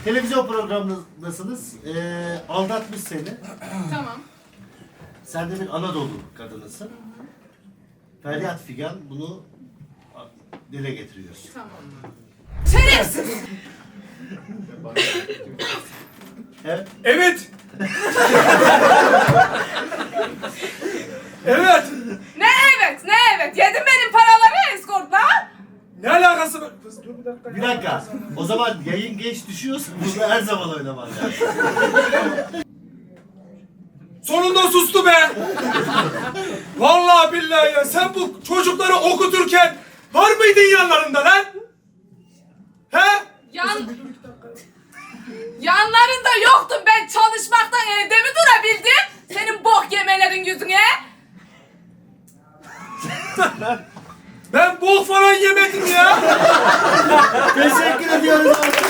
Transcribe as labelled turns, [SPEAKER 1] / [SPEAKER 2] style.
[SPEAKER 1] Televizyon programındasınız. Aldatmış seni.
[SPEAKER 2] Tamam.
[SPEAKER 1] Sen de bir Anadolu kadınısın. Feryat Figan bunu dile getiriyor.
[SPEAKER 2] Tamam. Şerefsiz!
[SPEAKER 1] Evet.
[SPEAKER 3] Evet. Evet.
[SPEAKER 2] Ne evet, ne evet? Yedin benim paraları eskortla.
[SPEAKER 3] Ne alakası var? Kız dur bir dakika.
[SPEAKER 1] Bir dakika. O zaman yayın geç düşüyorsa bunu her zaman oynaman lazım.
[SPEAKER 3] Sonunda sustu be. Vallahi billahi ya, sen bu çocukları okuturken var mıydın yanlarında lan? He?
[SPEAKER 2] Yanlarında yoktum, ben çalışmaktan evde mi durabildim? Senin bok yemelerin yüzüne.
[SPEAKER 3] Ben bok falan yemedim ya.
[SPEAKER 1] Teşekkür ediyoruz.